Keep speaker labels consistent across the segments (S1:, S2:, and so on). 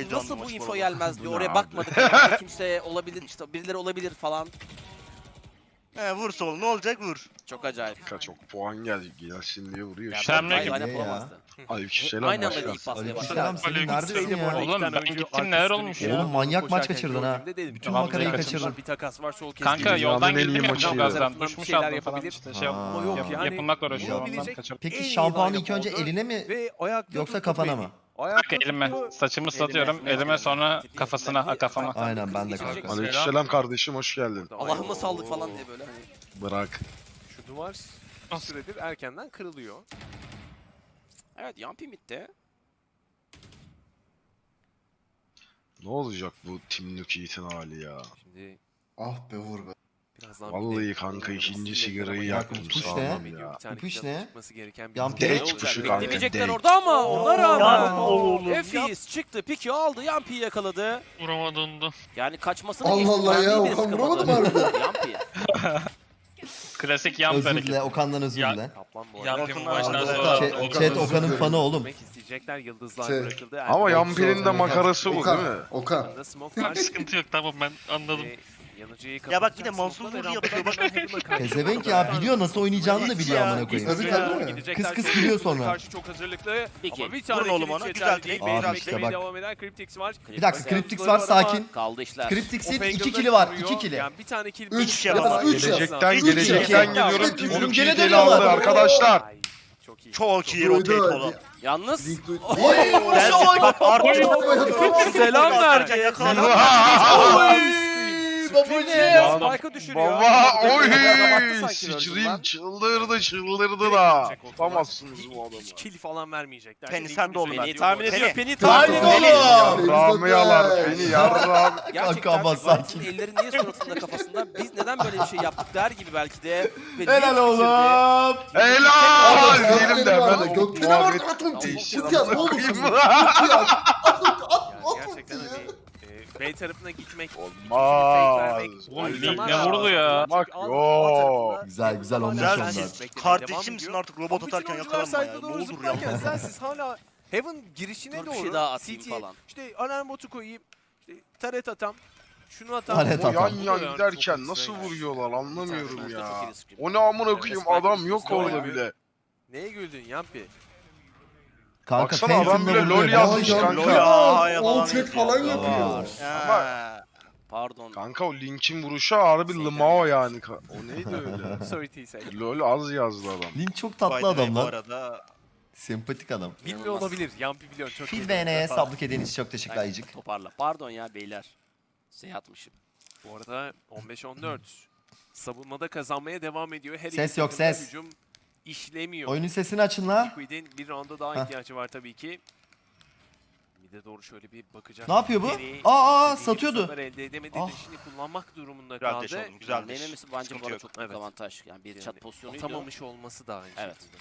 S1: Abi nasıl
S2: canlı
S1: bu
S2: maç
S1: info
S2: bu arada.
S1: gelmez diyor.
S3: Bu ne
S1: Oraya
S3: abi?
S1: bakmadık. Herhalde kimse olabilir, işte birileri olabilir falan.
S2: He vur sol ne olacak vur.
S1: Çok acayip.
S3: Çok puan gelsin diye vuruyor.
S1: Ya
S3: işte.
S4: Sen mi
S1: Hayır,
S4: gittin?
S1: aynen
S5: ya?
S1: bulamazdı.
S3: Aleykümselam
S1: Aynı anda
S3: başkan.
S1: ilk basmaya başladı.
S5: Aleykümselam, senin neredesin ya?
S4: Oğlum ben gittim neler olmuş ya?
S5: Oğlum manyak maç kaçırdın ha. Bütün makarayı kaçırdın.
S6: Bir takas var sol
S4: Kanka
S3: Dünyanın
S4: yoldan
S3: en iyi
S4: girdim ya
S3: maçıydı.
S4: çok azdan.
S6: Bir
S4: Düşmüş
S6: şeyler
S4: aldım falan
S6: yapabilir.
S4: işte şey
S5: Aa.
S6: Ama yok yani.
S4: yapılmakla uğraşıyorum ondan
S6: Yapabilecek
S4: kaçırdım.
S5: Peki
S6: en iyi
S5: şampuanı
S6: line-up
S5: ilk önce
S6: oldu.
S5: eline mi
S6: Ve ayakta
S5: yoksa
S6: tuttu
S5: kafana
S6: beni.
S5: mı?
S6: Ayakta
S4: Elime
S6: tuttu.
S4: saçımı ıslatıyorum. Elime sonra kafasına kafama.
S5: Aynen, ben de kanka.
S3: Aleykümselam kardeşim hoş geldin.
S1: Allah'ıma saldık falan diye böyle hani.
S3: Bırak.
S6: Şu duvar bir süredir erkenden kırılıyor.
S1: Evet, Yampi midde.
S3: Ne olacak bu Team Nukeet'in hali ya?
S6: Şimdi
S7: Ah be Uğur be.
S6: birazdan
S3: Vallahi
S6: bir de
S3: kanka
S6: oynaması
S3: ikinci
S6: gerekiyor
S3: sigarayı
S6: ama
S3: yaktım
S5: Kuş
S3: sağlam
S5: ne?
S3: ya.
S6: Bir tane
S5: Kuş
S6: kitabın
S5: ne?
S6: çıkması gereken bir
S5: Yampi.
S6: durum
S3: Date
S6: olacak.
S3: kuşu kanka.
S1: Beklemeyecekler
S3: Date.
S1: orada ama ona rağmen.
S2: oğlum.
S1: Efis çıktı, piki aldı, Yampi'yi yakaladı.
S4: Vuramadı onu.
S1: Yani kaçmasını
S7: Allah Allah ya,
S1: Yampi'yi bile
S7: Okan
S1: sıkamadı.
S7: vuramadı mı
S1: Yampi.
S4: Klasik yan
S5: Özür
S4: hareket.
S5: dile, Okan'dan özür
S4: Ya-
S5: dile.
S6: Kaplan bu
S4: Yan
S6: arada
S4: film
S2: Okan
S4: maçtan
S2: abi.
S4: sonra.
S5: Chat Okan'ın fanı oğlum.
S6: gitmek isteyecekler. Yıldızlar
S7: Şey.
S6: bırakıldı.
S3: Ama
S6: Erdoğan
S3: Yampi'nin de makarası bu değil
S7: Okan,
S3: mi?
S7: Okan.
S6: da smoke var.
S4: Sıkıntı yok tamam ben anladım.
S6: Yanıcıyı
S2: Ya bak yine
S6: kapatacak.
S2: Mansur
S6: Smoke'la
S2: Nuri
S6: beraber
S2: yapıyor, bak.
S6: Heaven'a karşı
S5: Pezevenk ya, biliyor nasıl oynayacağını da biliyor
S2: Ya,
S5: amına koyayım.
S7: Tabii tabii.
S6: Gidecekler.
S5: Kıs kıs gülüyor sonra.
S6: Karşı çok hazırlıklı.
S1: Peki.
S6: Ama bir tane
S2: Vurun oğlum
S6: kilit
S2: ona,
S6: yeterli
S2: güzel
S6: değil.
S2: trade,
S6: Beyler
S5: Abi işte
S6: beklemeye
S5: bak.
S6: devam eden Cryptix var.
S5: Bir dakika, Cryptix var, sakin.
S1: Kaldı işler.
S5: Cryptix'in
S6: Opengle'da
S5: 2 kili var,
S6: vuruyor.
S5: 2 kili.
S6: Yani bir tane kill.
S7: Üç
S6: bir
S2: ya
S6: kill
S2: baba.
S6: var.
S7: Üç ya.
S3: Gelecekten
S7: Üç
S3: gelecekten
S7: ya.
S3: geliyorum.
S7: Üç
S3: Team
S5: ya. Oğlum
S3: Nukeet'i
S5: gene
S3: ele aldı
S5: dönüyorlar.
S3: arkadaşlar.
S6: Ay, çok iyi.
S2: Çok iyi
S7: Duydu.
S2: rotate olan.
S1: Yalnız
S7: Link duy.
S2: Gelsin bak artık.
S6: Selam verdi.
S2: Yakaladı.
S5: Babacığım.
S1: Spike'ı düşürüyor.
S3: Baba oy!
S1: Baktı sanki
S3: Sıçrayım
S1: Virgil'den.
S3: çıldırdı da. Tutamazsınız bu adamı.
S6: Hiç kill falan vermeyecekler.
S2: Penny sen de oğlum.
S1: Penny tahmin ediyor. Penny
S5: Tahmin
S1: tahmin ediyor.
S5: oğlum.
S3: Yarrağımı yalar beni yarrağım.
S1: Gerçekten
S5: ama
S1: Valent'in
S5: sakin.
S1: elleri niye suratında kafasında? Biz neden böyle bir şey yaptık der gibi belki de. Ve
S5: Helal
S1: bir
S5: oğlum.
S3: Helal diyelim de ben o
S7: Gökdelen var
S3: muhabbet
S7: atın.
S3: değişir.
S7: Tut ya ne olursun.
S3: Koyayım.
S6: Yani gerçekten hani B tarafına gitmek,
S3: Olmaz.
S4: Oğlum Link ne vurdu ya?
S3: Bak yok.
S5: Güzel, güzel olmuş
S2: Güzel
S5: onlar.
S2: siz kardeşim misin artık robot atarken yakalanma ya. Ne olur ya.
S6: Siz hala Heaven girişine
S1: Dur, bir
S6: doğru
S1: şey daha atayım
S6: CT'ye
S1: falan.
S6: işte alarm botu koyayım, işte taret atam, şunu atam.
S5: Taret
S3: O
S5: atam.
S3: yan yan giderken nasıl vuruyorlar anlamıyorum
S1: Çok
S3: ya.
S1: iyi risk.
S3: O ne amına koyayım adam yok orada bile.
S6: Neye güldün Yampi?
S5: Kanka
S3: Baksana adam
S5: Phantom'la
S3: bile
S5: vuruyor.
S3: LoL yazmış
S7: Ya,
S3: kanka.
S2: ya.
S7: All chat falan yapıyor.
S2: Ha.
S1: Pardon.
S3: Kanka o Link'in vuruşu harbi Limao yani. O neydi öyle?
S6: Sorry T-Say.
S3: LoL az yazdı adam.
S5: Link çok
S2: By
S5: tatlı
S2: the way,
S5: adam
S2: bu
S5: lan.
S2: arada
S5: Sempatik adam.
S6: Bilmiyor olabilir. Yampi biliyor çok iyi.
S5: Fil BN'ye sablık edeniz çok teşekkür ayıcık.
S1: Toparla. Pardon ya beyler. Atmışım.
S6: Bu arada 15-14. Savunmada kazanmaya devam ediyor. Her
S5: Ses
S6: iki
S5: yok,
S6: takımda
S5: ses.
S6: Hücum işlemiyor.
S5: Oyunun sesini açın la.
S6: Liquid'in bir rounda daha
S5: Heh.
S6: ihtiyacı var tabii ki. Bir de doğru şöyle bir bakacak.
S5: Ne yapıyor bu?
S6: Penny
S5: Aa,
S6: istediği
S5: satıyordu.
S6: sonuçlar elde edemedi.
S5: Ah.
S6: Şimdi kullanmak durumunda
S2: Güzel
S6: kaldı.
S2: deş oğlum,
S1: Yani
S2: güzel deş.
S1: Denemesi bence bu
S2: Sıkıntı
S1: arada
S2: yok.
S1: çok büyük
S6: Evet.
S1: avantaj. Yani bir
S6: Yani
S1: chat pozisyonuydu.
S6: Atamamış olması da aynı
S1: Evet.
S6: şekilde.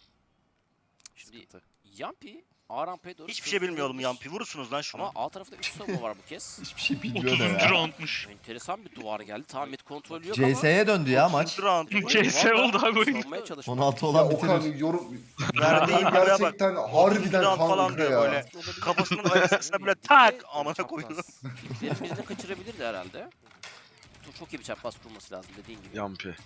S1: Şimdi
S6: Sıkıntı.
S1: Yampi A rampaya doğru
S2: hiçbir şey bilmiyordum
S1: sürükleniyormuş.
S2: Yampi. Vurursunuz lan şunu.
S1: Ama A tarafta 3 savunma var bu kez.
S5: Hiçbir şey bilmiyor da ya.
S4: roundmuş.
S1: Enteresan bir duvar geldi. Tam mid kontrolü yok
S5: CS'ye döndü ya maç.
S2: Round.
S4: CS oldu abi oyun.
S1: Savunmaya çalışmak.
S5: 16
S7: Ya
S5: olan
S7: Okan
S5: bitirir.
S7: yorum
S2: Verdiğin yere bak.
S7: gerçekten harbiden
S2: Round falan
S7: kanka
S2: diyor
S7: ya.
S2: böyle. Kafasının arasına böyle tak amına koyuyor.
S1: Benim birini kaçırabilirdi herhalde. Çok iyi bir çapraz kurması lazım dediğin gibi.
S3: Yampi.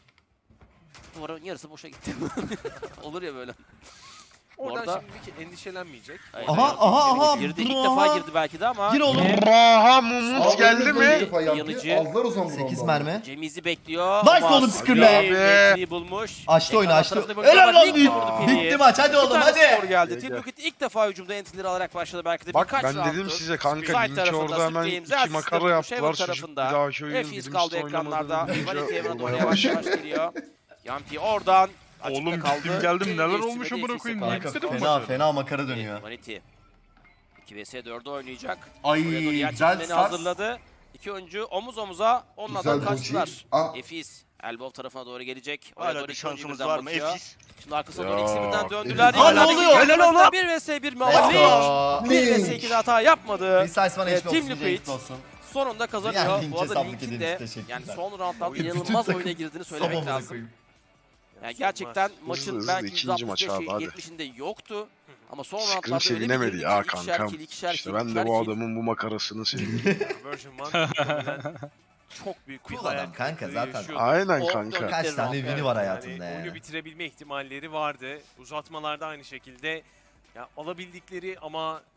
S1: Duvarın yarısı boşa gitti. Olur ya böyle.
S6: Oradan
S1: Orada-
S6: şimdi endişelenmeyecek.
S1: Aynen.
S5: Aha.
S1: Girdi. İlk defa girdi belki de ama.
S5: Gir oğlum.
S3: Raha Mumut
S7: Aa,
S3: geldi
S7: öyle böyle
S3: mi?
S7: defa yaptı.
S1: Yanıcı.
S7: Aldılar o zaman bunu
S5: 8
S7: ondan.
S5: mermi.
S1: Cemiz'i bekliyor.
S5: Nice
S1: ama
S5: oğlum, Skir'le.
S1: Abi. Penny'yi bulmuş.
S5: Açtı oyunu,
S1: Ekran
S5: açtı.
S1: tarafında böyle
S5: Helal
S1: bir
S5: lan
S1: link
S5: Yiğit.
S1: vurdu Penny'ye.
S5: Bitti maç, hadi
S1: Bir
S5: oğlum
S1: tane
S5: hadi.
S1: skor geldi.
S3: Gel,
S1: Team
S3: gel.
S1: Liquid ilk defa hücumda entileri alarak başladı belki de
S3: Bak
S1: birkaç
S3: ben dedim
S1: round'tur.
S3: size kanka
S1: Side
S3: linki
S1: tarafında
S3: orada hemen
S1: Scream,
S3: 2
S1: Zed
S3: makara
S1: System,
S3: yaptılar.
S1: Shaver
S3: Çocuk bir
S1: tarafında.
S3: dahaki oyun
S1: Efis kaldı ekranlarda.
S3: oynamadı.
S1: Vanity Evren'e doğru
S3: Vurmaya
S1: yavaş
S3: başladı.
S1: yavaş geliyor. Yampi oradan açıkta
S4: Oğlum
S1: kaldı.
S4: gittim geldim,
S1: Penny
S4: neler
S1: geçti
S4: olmuş
S1: ve
S4: amına
S1: Efis'e
S4: koyayım,
S1: kaldı.
S4: Neyse de
S5: Fena fena makara dönüyor.
S1: Vanity 2 vs 4'ü oynayacak.
S5: Ay
S1: Oraya doğru yer
S5: güzel
S1: çekimlerini
S5: sars.
S1: hazırladı. İki oyuncu omuz omuza onunla
S7: Güzel
S1: kaçtılar.
S7: doji. Ah.
S1: Efis Elbow tarafına doğru gelecek. Oraya
S2: Hala
S1: doğru
S2: bir
S1: iki oyuncu
S2: şansımız
S1: birden
S2: var mı?
S1: bakıyor.
S2: Efis.
S1: Şimdi arkasına doğru
S3: Ya.
S1: ikisi birden döndüler.
S5: Ha, ne oluyor?
S2: Helal oğlum.
S1: 1 vs 1 mi
S5: Let's
S1: ama
S5: go.
S1: Lynch 1 vs 2'de hata yapmadı.
S5: Precise bana
S1: Evet,
S5: eşit
S1: Team
S5: olsun.
S1: Liquid.
S5: Liquid olsun.
S1: Sonunda kazanıyor.
S5: Yani Lynch'e
S1: Bu arada
S5: sablık
S1: Link'in
S5: ederiz,
S1: de
S5: teşekkürler.
S1: yani son roundlarda
S5: Bütün
S1: inanılmaz
S5: takım-
S1: oyuna girdiğini söylemek
S5: Sabahımıza
S1: lazım.
S5: koyayım.
S1: Yani gerçekten maçın
S3: hızlı
S1: belki
S3: ikinci maç abi, hadi.
S1: 70'inde yoktu. Ama son
S3: Sıkıntı
S1: roundlarda öyle bir
S3: sevinemedi
S1: girdi
S3: ya
S1: ki
S3: kankam. İşte ben de bu adamın bu makarasını seviyorum.
S6: Version One muhtemelen çok büyük bir
S5: Cool
S6: hayal
S5: adam kanka
S6: kırıklığı
S5: zaten.
S6: yaşıyordu.
S3: Aynen
S1: O
S3: kanka.
S5: Kaç tane
S1: Evet,
S5: win'i var
S6: Yani
S5: hayatında
S6: oyunu
S5: yani.
S6: bitirebilme ihtimalleri vardı. Uzatmalarda aynı şekilde ya alabildikleri ama